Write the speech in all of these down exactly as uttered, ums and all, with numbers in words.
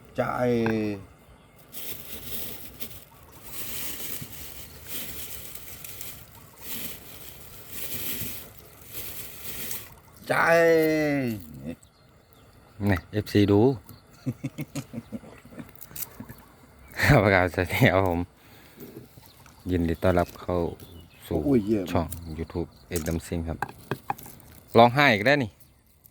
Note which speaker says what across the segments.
Speaker 1: ใจใจ
Speaker 2: นี่เอฟซีดู ประกาศเสียผม ยินดีต้อนรับเข้าสู่ช่อง YouTube เอ็ดดัมซิงครับร้องไห้อีกได้นี่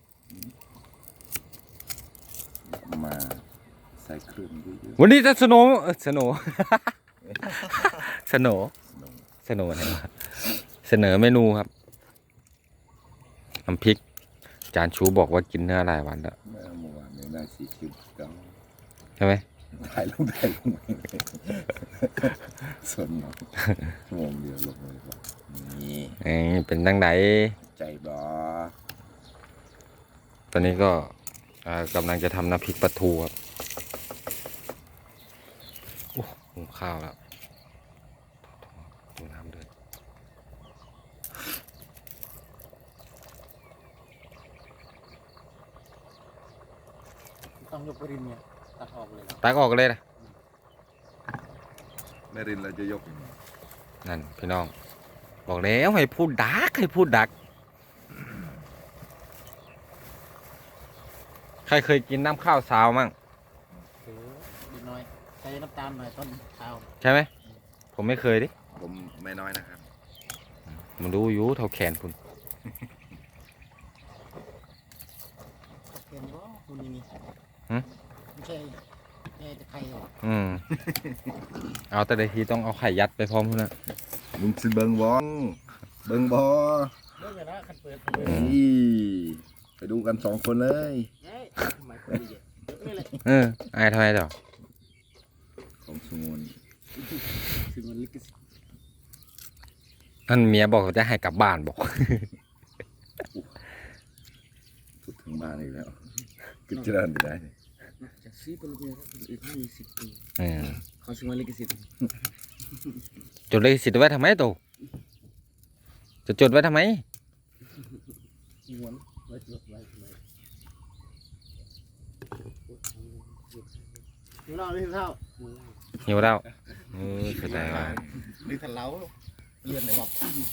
Speaker 1: มาใส่เครื่องเยอะ
Speaker 2: วันนี้จะสโนว์สโนว์ สโนว์สโนว์อะไรวะเสนอเมนูครับน้ำพริกจานชูบอกว่ากินเนื้อหลายวันแล้ว
Speaker 1: ๆเมื่อวานนี้ได้สี่คิวเก้า
Speaker 2: ใช่ไหม
Speaker 1: ถ่ายลงถ่ายลงส่วนหนึ่งชั่วโมงเดียวลงเลยครับนี่
Speaker 2: เอ้ยเป็นตั้งไหน
Speaker 1: ใจบอ
Speaker 2: ตอนนี้ก็อ่ากำลังจะทำน้ำพริกปลาทูครับโอ้หุงข้าวแล้วดูน้ำเดือด
Speaker 3: ต้องยกรินเนี่ยตัดออกเลยนะ
Speaker 2: ตักออกเลยนะ
Speaker 1: แม่รินเราจะยกยังไง
Speaker 2: นั่นพี่น้อง บอกแล้วให้พูดดักให้พูดดัก ใครเคยกินน้ำข้าวสาวมั่ง
Speaker 3: เออนิดหน่อยใช้น้ำตาลหน่อยต้นข้าว
Speaker 2: ใช่ไหม ผมไม่เคยดิ
Speaker 1: ผมไม่น้อยนะครับ
Speaker 2: มันรู้อยู่เท่าแขนคุณ
Speaker 3: เห็นว่าคุณนี่มี
Speaker 2: หึ
Speaker 3: ไม่ใช่ไม่ใช่ไข่หรอก
Speaker 2: อืม เอาแต่ใดทีต้องเอาไข่ยัดไปพร้อมพุ่นนะ
Speaker 1: มึงสิเบิงบอเบิงบอ
Speaker 3: เลิกเลยนะคันเปิด
Speaker 2: อืม
Speaker 1: นี่ไปดูกันสองคนเลย
Speaker 3: เฮ้ยทำไมคนดีเยอะไม่เลย
Speaker 2: เออไอ้ทำไมต่อ
Speaker 1: ของสงวน
Speaker 3: คือมันลิขสิทธิ์
Speaker 2: นั่นเมียบอกว่าจะให้กลับบ้านบอก
Speaker 1: พูดถึงบ้านอีกแล้วกิจการได้เนี่ย
Speaker 3: จากซีเป็นเมียอีกยี่สิบปี
Speaker 2: อืม
Speaker 3: เขาซื้อมาลิขสิทธิ์
Speaker 2: จดเลขสิทธิ์ไว้ทำไมตู่จะจดไว้ทำไม
Speaker 3: ม้วนไว้จดไว้ไว้หิวเหล้าหรือหิวข้าว
Speaker 2: หิวแล้วเออเข้าใจว่า
Speaker 3: หรือทันเล้าเลื่อนไหนบอก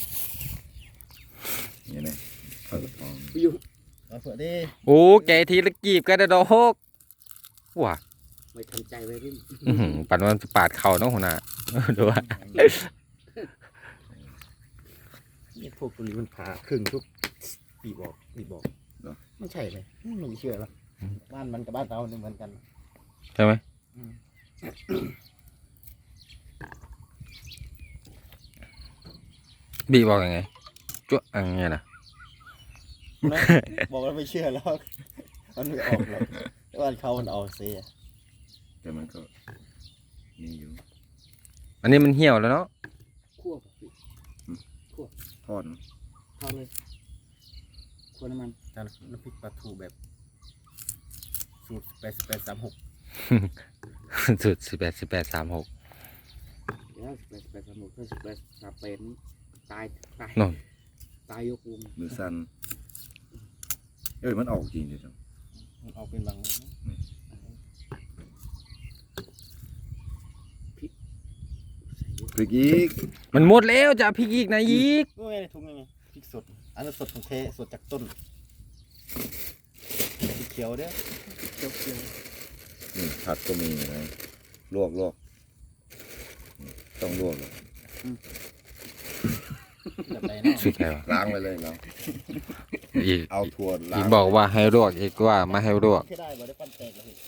Speaker 1: นี่ไงข้าวกระทอง
Speaker 3: ไปอยู่เอาเผื่อดิ
Speaker 2: โอ้แกทีละกีบกันนะดอกว้า
Speaker 3: ไม่ทำใจไว้ริม
Speaker 2: อื้อหือปั่นวันปาดเข่าน้องหัวหน้า ดูว่า
Speaker 3: นี่พวกตัวนี้มันผ่าครึ่งทุกปีบอกปีบอกไม่ใช่เลยไม่เชื่อหรอกบ้านมันกับบ้านเราเนี่ยเหมือนกัน
Speaker 2: ใช่ไหมบีบอกยังไงจ้วอย่างเงี้ยนะ
Speaker 3: บอกแล้วไม่เชื่อแล้วมันไม่ออกหรอกแต่บ้านเขามันออกเสีย
Speaker 1: แต่มันก็นี่อยู่
Speaker 2: อันนี้มันเหี่ยวแล้วเนาะ
Speaker 3: คั่วคั่ว
Speaker 1: ทอดเนอะ
Speaker 3: ทอดเลยคั่วน้ำมันแต่น้ำพริกปลาทูแบบสูตรแปดสิบแปดสามหก
Speaker 2: สุดสิบแปดสิบแปดสามหก
Speaker 3: เดี๋ยวสิบแปดสิบแปดสามหกถ้าสิบแปดสามแปดนี่ตายตาย
Speaker 2: นน
Speaker 3: ตายยกวง
Speaker 1: มือสั้นเอ้ยมันออกจริงดิจัง
Speaker 3: มันออกเป็นบางพริกใส่เยอะ
Speaker 1: พริกอีก
Speaker 2: มันหมดแล้วจะเอาพริกอีกนะอีก
Speaker 3: ก็ไงในถุงยังไงพริกสดอันนั้นสดของแท้สดจากต้นพริกเขียวเด้อเขียวเขียว
Speaker 1: นี่ผัดก็มีนะลวกลวกนี่ต้องลวกเลย
Speaker 3: แบบไหนเนาะ
Speaker 2: สุดแล้ว
Speaker 1: ล้างไปเลยเรา
Speaker 2: อีก
Speaker 1: เอาถั่วล้า
Speaker 2: อี
Speaker 1: ง
Speaker 2: กบอกว่าให้ลวกอีกว่าไม่ให้ลวก
Speaker 3: แค่ได้บ่ได้ปั้นแตกเลย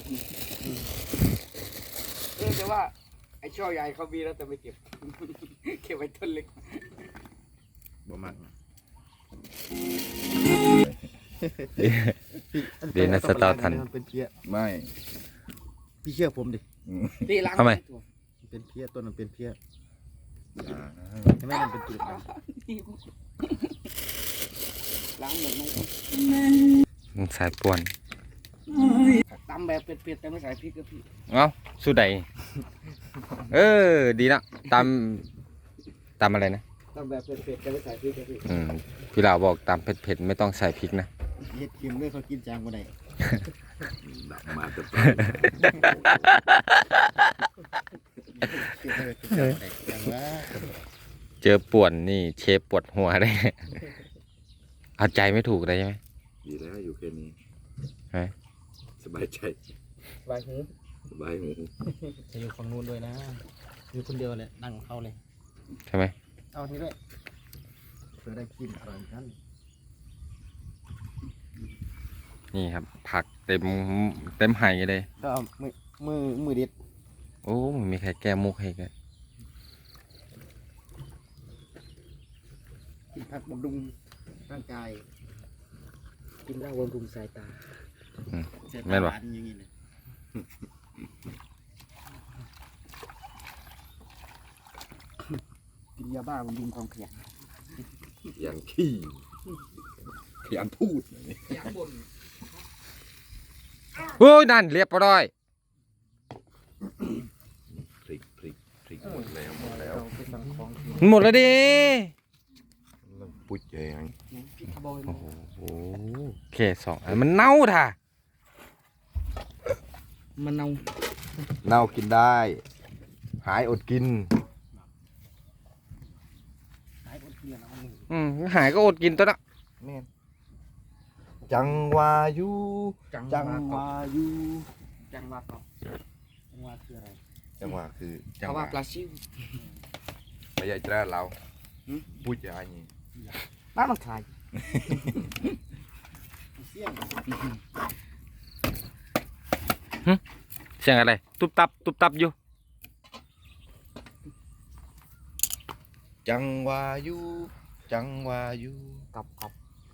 Speaker 4: เออแต่ว่าไอ้ช่อใหญ่เขามีแล้วแต่ไม่เก็บ เก็บไว้ต้นเล็ก
Speaker 1: บ่มัก
Speaker 2: เดี๋ยวนะสตาร์ทัน
Speaker 3: มันเป็นเพี้ย
Speaker 1: ไม่
Speaker 3: พี่เชื่อผมดิ
Speaker 1: อืม
Speaker 4: ตีล้าง
Speaker 2: ทำไม
Speaker 3: มันเป็นเพี้ยต้นมันเป็นเพี้ย
Speaker 1: อย่านะ
Speaker 3: ใช่ไหมมันเป็นจุดด
Speaker 4: ล้างหมดไหม
Speaker 2: มันสายป่วน
Speaker 4: ตำแบบเผ็ดๆแต่ไม่ใส่พริกก็พี่
Speaker 2: เอ้าสู้ใดเออ ดีละตามตามอะไรนะ
Speaker 4: ตำแบบเผ็ดๆแต่ไม่ใส่พริกก็พี่
Speaker 2: อืมพี่ลาวบอกตามเผ็ดๆไม่ต้องใส่พริกนะ
Speaker 3: ำเฮ็ดคิมด้วยเขากินจางบ่ได้
Speaker 1: ดับมาจะไป
Speaker 3: อย่างว่า
Speaker 2: เจอป่วนนี่เชฟปวดหัวได้ เอาใจไม่ถูกเลยใช่ไหม
Speaker 1: ดีแล้วอยู่แค่นี้
Speaker 2: ฮะ
Speaker 1: สบายใจ
Speaker 3: บายหู
Speaker 1: สบายหู
Speaker 3: จะอยู่ฝั่งนู้นด้วยนะอยู่คนเดียวเลยนั่งเข้าเลย
Speaker 2: ใช่ไหม
Speaker 3: เอาทีด้วยเพื่อได้กินอร่อยกัน
Speaker 2: นี่ครับ ผักเต็มเต็มไหเลย
Speaker 3: ก็เอามือมือมือดิด
Speaker 2: โอ้ไม่มีใครแก้มุกให้กัน
Speaker 3: กินผักบำรุงร่างกาย
Speaker 4: กินเหล้าบำรุงสายตา
Speaker 3: เสีย
Speaker 2: แม่น
Speaker 3: ตา
Speaker 2: ปะ
Speaker 3: หวานอย่างนี้เลย
Speaker 4: กินยาบ้าบำรุงความขยัน
Speaker 1: อย่างขี้ขยันพูด
Speaker 4: ขยันบ่น
Speaker 2: โอ้ยนั่นเรียบร้อย
Speaker 1: พริกพริกพริกหมดแล้วหมดแล้ว
Speaker 4: เราไปสั่งของที่
Speaker 2: หมดแล้วดิ
Speaker 1: ปุ๊ยแยง
Speaker 4: พริกบอย
Speaker 2: โอ้โหแค่สองอันมันเน่าท่ะ
Speaker 4: มันเอา
Speaker 1: เน่ากินได้ หายอดกิน
Speaker 3: หายคนเกลียดเอาหนึ่ง
Speaker 2: อืมหายก็อดกินตัวละ
Speaker 1: แม่นจังวาอยู่
Speaker 4: จัง
Speaker 1: จัง
Speaker 4: หวะ
Speaker 1: วาอยู่
Speaker 4: จังหวะเกาะ
Speaker 3: จังหวะคืออะไร
Speaker 1: จังหวะคือจั
Speaker 4: เขา
Speaker 1: งห
Speaker 4: ว่าว
Speaker 1: ะ
Speaker 4: ปลาซิว
Speaker 1: ไปยายจ้าเราพูดอย่างนี้
Speaker 4: บ้านมันขาย
Speaker 3: เสี่ยง
Speaker 2: เสียงอะไร ตุบตับ ตุบตับอยู่
Speaker 1: จังวาอยู่จังวาอยู่
Speaker 4: กับกับ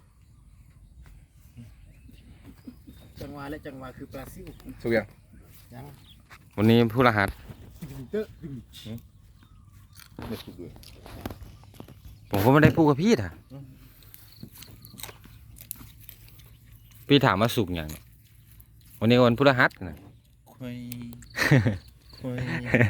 Speaker 3: จังหวะและจังหวะคือปลาซิว
Speaker 1: สุกยัง
Speaker 3: ยัง
Speaker 2: วันนี้ผู้รหัส
Speaker 3: ดึงเตอะดึง
Speaker 1: ไม่สุกเลย
Speaker 2: ผมก็ไม่ได้พูดกับพี่ท่ะพี่ถามว่าสุกอย่างเนี่ยวันนี้วันพุธหัสนะ
Speaker 1: คุยคุย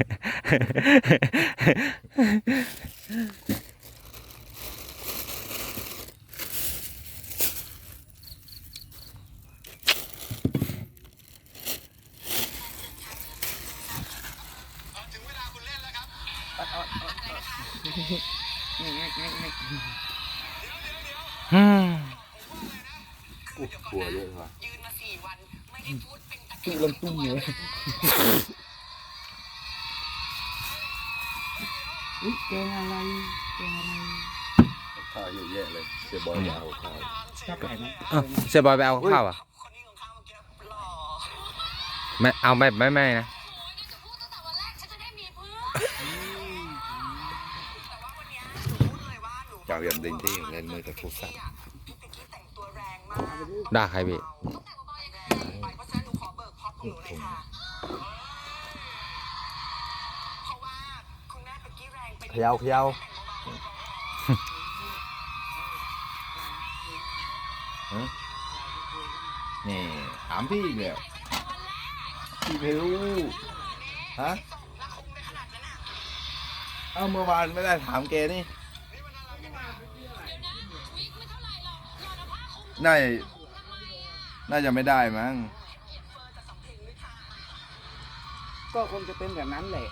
Speaker 2: อืม
Speaker 1: กลัวเยอะว่ะ
Speaker 4: ตุ้งลงตุ้งเลยอุ้ยแกงอะไรแกงอะไร
Speaker 1: ข้าวเยอะแยะเลยเสียบอลยาวข้าว
Speaker 4: ชอบไก่ไหม
Speaker 2: เอ้าเสียบอยไปเอาข้าวอ่ะไม่เอาไม่ไม่ไม่นะ
Speaker 1: เจ้ายันเด้งที่เล่นมือกับโทรศัพท์
Speaker 2: ด่าใครพี่
Speaker 1: เขยาวขยาวฮะนี่ถามพี่อีกแล้วพี่ไม่รู้ฮะเอ้าเมื่อวานไม่ได้ถามแกนี่น่าจะน่าจะไม่ได้มั้ง
Speaker 4: ก็คงจะเป็นแบบนั้นแหละ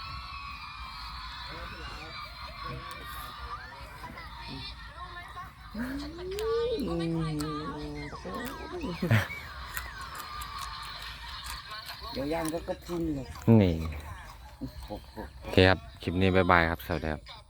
Speaker 4: เดี๋ยวย่างก็กระพุ้นเลย
Speaker 2: นี่ โอเคครับ คลิปนี้บ๊ายบายครับ สวัสดีครับ